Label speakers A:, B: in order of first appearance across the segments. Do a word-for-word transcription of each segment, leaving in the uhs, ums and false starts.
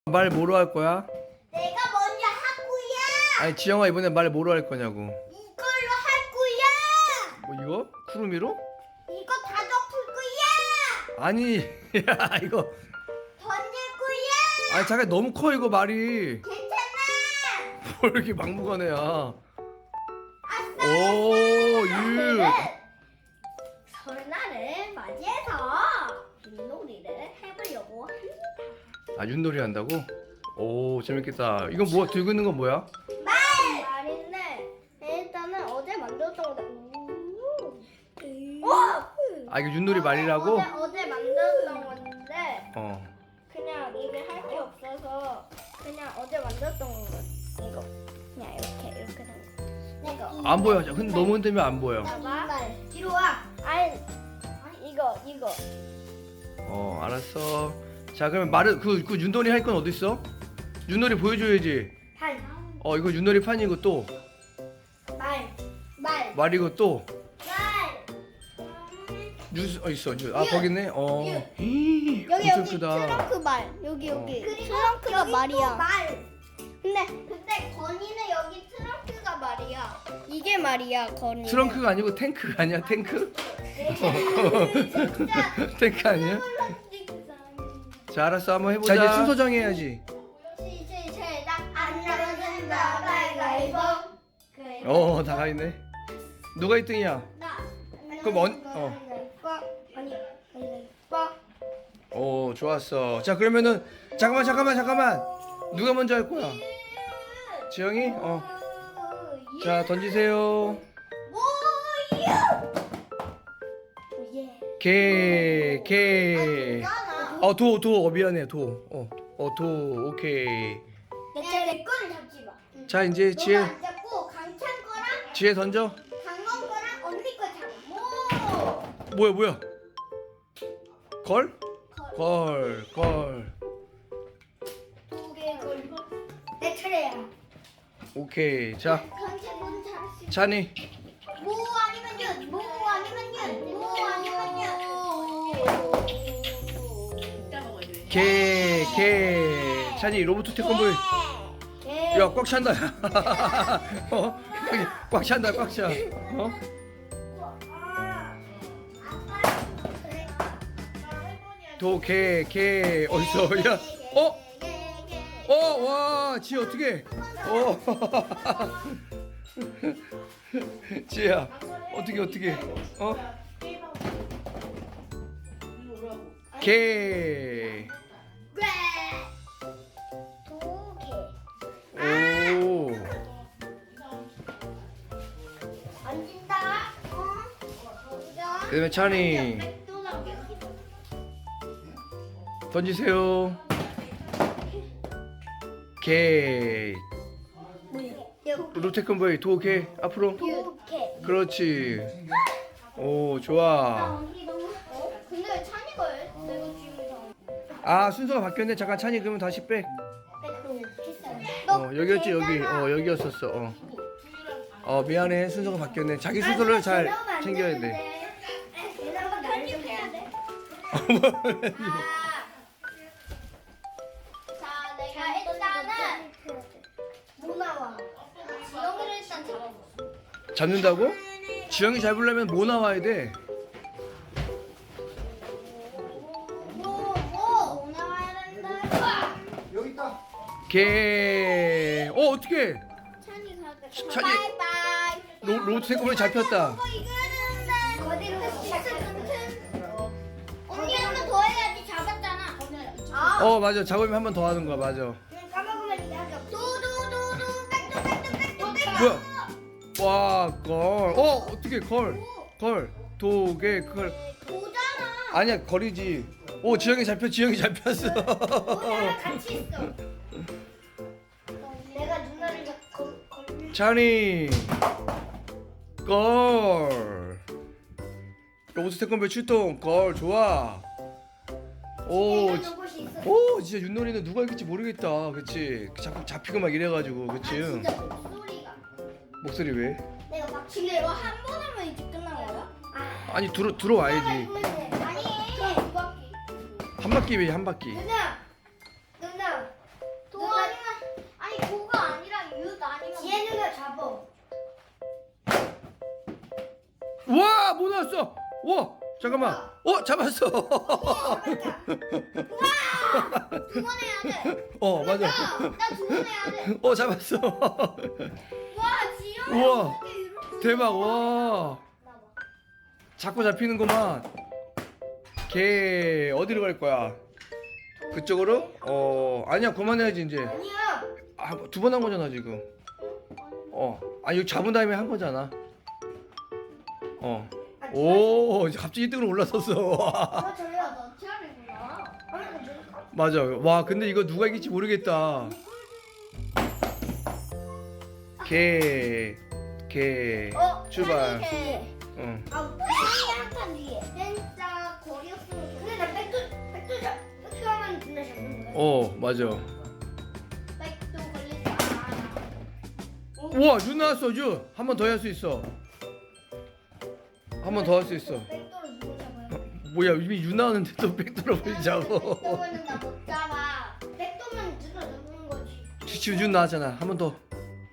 A: 말 뭐로 할 거야?
B: 내가 먼저 할 거야.
A: 아니 지영아 이번에 말 뭐로 할 거냐고.
B: 이걸로 할 거야.
A: 뭐 이거? 쿠루미로?
B: 이거 다 덮을 거야.
A: 아니 야 이거
B: 던질 거야.
A: 아니 잠깐 너무 커 이거 말이.
B: 괜찮아.
A: 뭘 이렇게 막무가내야.
B: 아싸.
A: 오 유.
B: 설날을 맞이해서 윷놀이를 해보려고 합니다.
A: 아 윷놀이 한다고? 오 재밌겠다. 이건 뭐 들고 있는 건 뭐야?
B: 말! 말인데 일단은 어제 만들었던 거다. 오!
A: 아 이거 윷놀이 말이라고?
B: 어제, 어제 만들었던 건데
A: 어.
B: 그냥 이게 할 게 없어서 그냥 어제 만들었던 거 이거 그냥 이렇게 이렇게 된 거.
A: 안 보여. 근데 너무 흔들면 안 보여.
B: 봐봐. 뒤로 와. 아니 이거 이거.
A: 어 알았어. 자 그러면 말을 그, 그 윷놀이 할 건 어디 있어? 윷놀이 보여줘야지.
B: 발.
A: 어 이거 윷놀이 판이고 또
B: 말. 말.
A: 말이고 또
B: 말.
A: 뉴스 어 있어. 뉴, 아
B: 유.
A: 거기 있네. 어.
B: 유.
A: 히이,
B: 여기
A: 엄청
B: 여기
A: 크다.
B: 트렁크 말. 여기
A: 어.
B: 여기. 트렁크가 말이야. 말. 근데 근데 건이는 여기 트렁크가 말이야. 이게 말이야 건이.
A: 트렁크가 아니고 탱크가 아니야 탱크?
B: 진짜.
A: 탱크 아니야? 자 알았어 한번 해보자. 자 이제 순서 정해야지.
B: 시시시작 안 나가진다 가위바위보.
A: 어 다 가있네. 누가 일 등이야?
B: 나.
A: 그럼 언- 어.
B: 아니 가위바위보.
A: 오 좋았어. 자 그러면은 잠깐만 잠깐만 잠깐만. 누가 먼저 할 거야? 지영이? 어. 자 던지세요.
B: 뭐야? 오예.
A: 개, 개.
B: 나.
A: 어, 도, 도, 어, 미안해, 도. 어, 어, 도, 오케이.
B: 내 차례 거를 잡지 마.
A: 자, 이제
B: 너가
A: 지혜,
B: 안 잡고 강찬 거랑
A: 지혜 던져.
B: 강원 거랑 언니 거 잡아. 뭐?
A: 뭐야, 뭐야? 걸? 걸, 걸.
B: 두개 걸고. 내 차례야.
A: 오케이. 자,
B: 강찬 건 잘했어.
A: 찬이.
B: 모 아니면 윷. 모 아니면 윷. 모 아니면 윷.
A: 개, 개. 찬이 로봇 태권볼.
B: 개.
A: 야, 꽉 찬다. 어? 여기 꽉 찬다, 꽉 차. 어? 도, 개, 개. 어딨어? 야, 어? 어, 와, 지혜 어떻게? 어. 지혜야, 어떻게 어떻게? 어? 개.
B: 두 개.
A: 오.
B: 앉는다. 어?
A: 그다음에 찬이 던지세요. 개. 로테컨보이 도 개. 앞으로.
B: 두 개.
A: 그렇지. 오 좋아.
B: 근데 왜 찬이가 왜 내가 지금
A: 아 순서가 바뀌었네. 잠깐 찬이 그러면 다시 빼. 어 여기였지 여기. 어 여기였었어. 어. 어 미안해 순서가 바뀌었네. 자기 순서를 잘 챙겨야 돼.
B: 얘네가 편집해야 돼. 자, 내가 일단은 뭐 나와? 지영이를 일단 잡아봐.
A: 잡는다고? 지영이 잡으려면 뭐 나와야 돼?
B: 뭐, 뭐? 뭐 나와야 된다.
C: 여기 있다.
A: 개. 어 어떻게?
B: 찬이 가게.
A: 찬이-
B: 바이바이.
A: 로 로트 생각보다 잡혔다.
B: 어, 이거는 거기로 같은. 언니 한 번 더 해야지 잡았잖아. 아.
A: 어 맞아 잡으면 한 번 더 하는 거야 맞아.
B: 까먹으면 이게 하죠. 도도도도 백도 백도 백도 백도.
A: 뭐야? 와 걸. 어 어떻게 걸? 걸. 도개 걸.
B: 도잖아.
A: 아니야 걸이지. 오 지영이 잡혀 지영이 잡혔어.
B: 나랑 같이 있어. 내가 누나를 걸 걸.
A: 찬이 걸. 로봇 태권도 출동 걸 좋아. 오, 지-
B: 곳이 있어.
A: 오 진짜 윷놀이는 누가 이길지 모르겠다. 그치? 자꾸 잡히고 막 이래가지고
B: 아,
A: 그치?
B: 진짜 목소리가.
A: 목소리 왜?
B: 내가 막 근데 이거 한 번 하면 이제 끝난 거야? 아.
A: 아니 들어 들어와야지.
B: 아니. 두 바퀴.
A: 한 바퀴 왜 한 바퀴?
B: 누나. 누나.
A: 나왔어. 와 잠깐만. 어 잡았어.
B: 두 번 해야 돼.
A: 어 맞아.
B: 나 두 번 해야 돼.
A: 어 잡았어.
B: 와 지영이
A: 우와
B: 어떻게 이렇게
A: 대박. 와
B: 나와.
A: 자꾸 잡히는구만. 걔 어디로 갈 거야? 그쪽으로? 어 아니야 그만해야지 이제.
B: 아니야.
A: 아, 두 번 한 거잖아 지금. 어, 아 여기 잡은 다음에 한 거잖아. 어, 오, 이제 갑자기 일 등으로 올라섰어.
B: 아 저요. 너 티아르구나. 아니 저
A: 맞아. 와, 근데 이거 누가 이길지 모르겠다. 개, 개,
B: 어,
A: 출발.
B: 해.
A: 응.
B: 아, 티아르 한칸 뒤에. 진짜 거리 없으면. 근데 나 백도 백도 잡 백도 하면 진짜 잡는 거야.
A: 어, 맞아.
B: 백도 걸리지 마.
A: 우와, 유 나왔어, 유. 한 번 더 할 수 있어. 한 번 더 할 수 있어.
B: 백도를 누구 잡아요?
A: 뭐야, 이미 유 나왔는데 또 백도로 보이자고.
B: 백도는 나 못 잡아. 백도면 누가 잡는 거지.
A: 지금 유 나왔잖아. 한 번 더.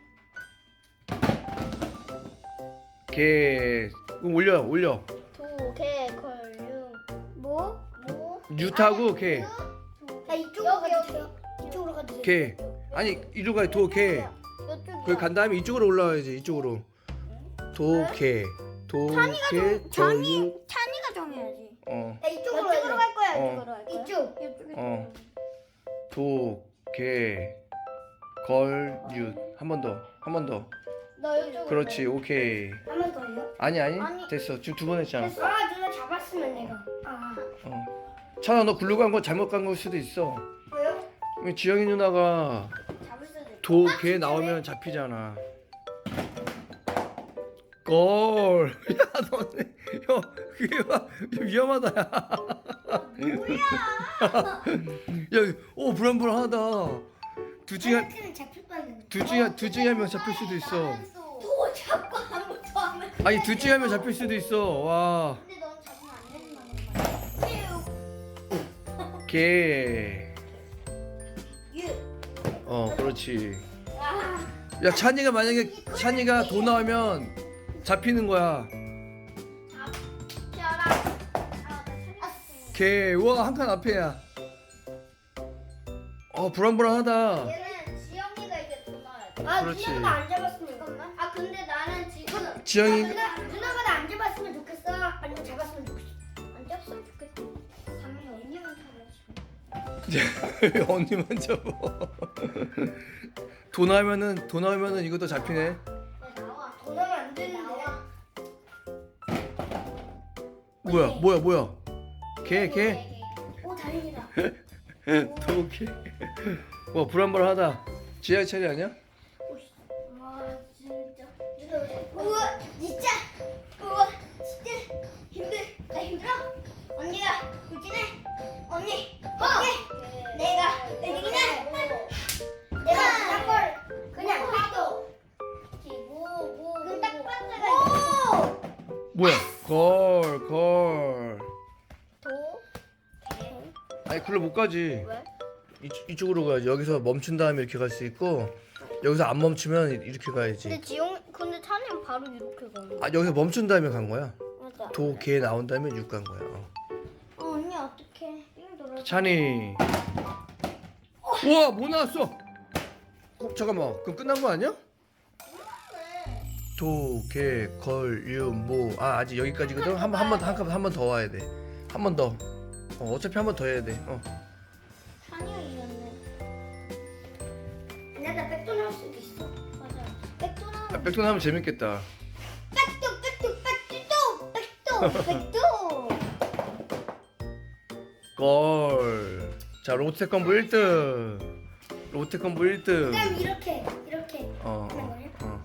A: 개, 그럼 올려, 올려.
B: 도, 개, 걸, 유. 뭐? 뭐?
A: 유 타고 개.
B: 나 이쪽으로 가도 돼요? 이쪽으로 가도 돼요?
A: 개. 아니 이리로 가. 도 개.
B: 이쪽이요.
A: 거기 간 다음에 이쪽으로 올라와야지. 이쪽으로. 도 개. 도 개.
B: 찬이,
A: 도
B: 찬이가 정해야지.
A: 어.
B: 나 이쪽으로, 이쪽으로 갈 거야.
A: 어.
B: 이쪽으로 갈 거야. 이쪽. 이쪽.
A: 어. 도 개. 걸 윷. 한 번 더. 한 번 더.
B: 너 이쪽으로.
A: 그렇지. 오케이.
B: 한번 더요?
A: 아니 아니.
B: 아니.
A: 됐어. 지금 두 번 했잖아.
B: 아, 누가 잡았으면 내가. 아.
A: 어. 찬아 너 글로 간 거 잘못 간 걸 수도 있어.
B: 왜요?
A: 지영이 누나가
B: 잡을 수도 있어.
A: 도 개 나오면 잡히잖아. 걸. 야 너네. 형 그게 막 위험하다. 야. 야, 오 불안불안하다. 둘 중에 한-
B: 하나는 잡힐 뻔했네.
A: 둘 중에 둘 중에 한 명 잡힐 수도 있어.
B: 도 잡고 아무것도 안 해.
A: 아니 둘 중에 한 명 잡힐 수도 있어. 와.
B: 근데 넌 잡으면 안 된다는 거야.
A: 개.
B: 유.
A: 어 그렇지.
B: 아.
A: 야 찬이가 만약에 찬이가 도 나오면 잡히는 거야.
B: 잡혀라. 아, 나
A: 개. 우와 한 칸 앞에야. 어 불안불안하다.
B: 얘는 지영이가 이제 돈 나와야 돼. 아,
A: 그렇지.
B: 누나가 안 잡았으면 잠깐만. 아, 근데 나는 지금
A: 지영이-
B: 아, 누나, 누나가 나 안 잡았으면 좋겠어. 아니면 잡았으면 좋겠어. 안 잡았으면 좋겠어. 당연히 언니만 잡아야지.
A: 언니만 잡아. 도 나오면은 도 나오면은 이것도 잡히네.
B: 야, 나와. 돈 나면 안 되는데.
A: 뭐야 뭐야 뭐야. 개 개.
B: 오, 다행이다.
A: 도 개. 와 불안불안하다. 지하 차례 아니야?
B: 오씨. 와, 진짜. 우와, 진짜. 우와, 진짜 힘들. 나 힘들어. 언니가 울지네. 언니, 언니. 내가 내 이기네. 내가 그걸 그냥 봐도. 뭐, 뭐, 그럼 딱 빠져가.
A: 뭐야? 걸 걸.
B: 도. 개.
A: 아니 글로 못 가지.
B: 왜?
A: 이, 이쪽으로 가야지. 여기서 멈춘 다음에 이렇게 갈 수 있고 여기서 안 멈추면 이렇게 가야지.
B: 근데 지용, 근데 찬이는 바로 이렇게 가는.
A: 아 여기서 멈춘 다음에 간 거야.
B: 맞아.
A: 도 개 나온 다음에 육 간 거야. 어.
B: 어, 언니 어떡해? 삥 돌아.
A: 찬이. 우와 뭐 나왔어? 어, 잠깐만 그럼 끝난 거 아니야? 도, 개, 걸, 유, 모. 아 아직 여기까지거든. 한 번 한 번 한 번 한 번 더 와야 돼. 한 번 더. 어, 어차피 한 번 더 해야 돼. 어.
B: 찬이가 이겼네. 근데 나 백도 나올 수도 있어. 맞아. 백도 나올.
A: 아, 백돈 하면 재밌겠다.
B: 백도 백도 백도 백도 백도.
A: 걸. 자 롯데컴보 일 등. 롯데컴보 일 등.
B: 그다음 이렇게 이렇게.
A: 어, 어, 어.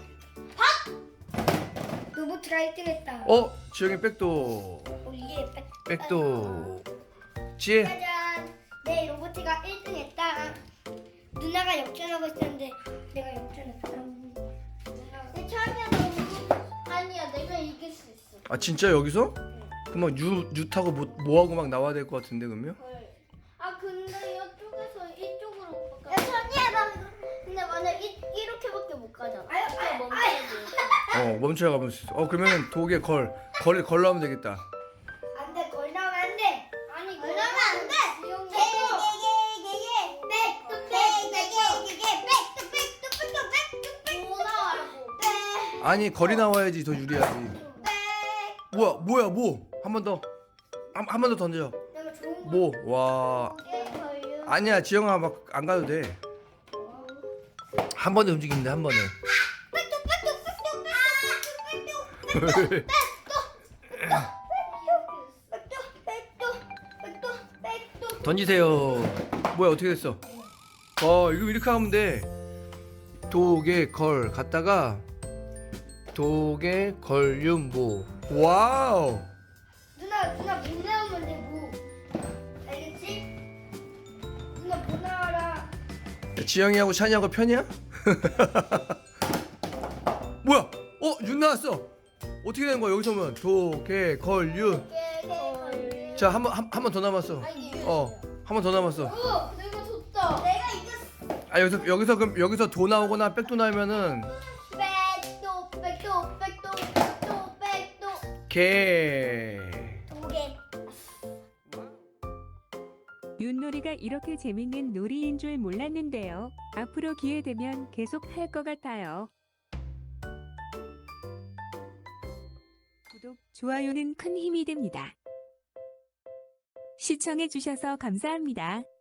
B: 로봇가 일 등했다.
A: 어, 지영이 백도.
B: 우리의 백.
A: 백도. 지혜.
B: 짜잔. 내 로봇가 일 등했다. 누나가 역전하고 있었는데 내가 역전했다. 내 처음이야 너. 아니야 내가 이길 수 있어.
A: 아 진짜 여기서? 그럼 유, 유 타고 뭐, 뭐 하고 막 나와야 될 것 같은데 그러면?
B: 아 근데 이쪽에서 이쪽으로 야 천이야 나 근데 만약 이, 이렇게밖에 못 가잖아. 아유 아유 멈춰지.
A: 어 멈춰야 가면 수 있어. 어 그러면 독에 걸 걸을 걸로 하면 되겠다.
B: 안돼 걸 나오면 안돼. 아니 걸 나오면 안돼.
A: 아니 걸이 나와야지 더 유리하지. 뭐야 뭐야 뭐 한 번 더 한 한 번 더 던져. 뭐 와 아니야 지영아 막 안 가도 돼. 한 번에 움직이면 돼 한 번에. 던지세요. 뭐야 어떻게 됐어? 어 이거 이렇게 하면 돼. 독에 걸 갔다가 독에 걸윤모. 와우.
B: 누나 누나 못 나오면 돼 뭐. 알겠지? 누나 못 나와라.
A: 지영이하고 찬이하고 편이야? 뭐야? 어? 윤 나왔어. 어떻게 된 거야 여기서 보면 독에 걸윤. 자 한 번 한 번 더 남았어. 어 한 번 더 남았어.
B: 어, 내가 졌다. 내가 이겼어.
A: 아 여기서 여기서 그럼 여기서 도 나오거나 백도 나오면은
B: 백도 백도 백도 백도 백도
A: 개.
B: 도개.
C: 윷놀이가 이렇게 재밌는 놀이인 줄 몰랐는데요. 앞으로 기회 되면 계속 할 것 같아요. 구독, 좋아요는 큰 힘이 됩니다. 시청해주셔서 감사합니다.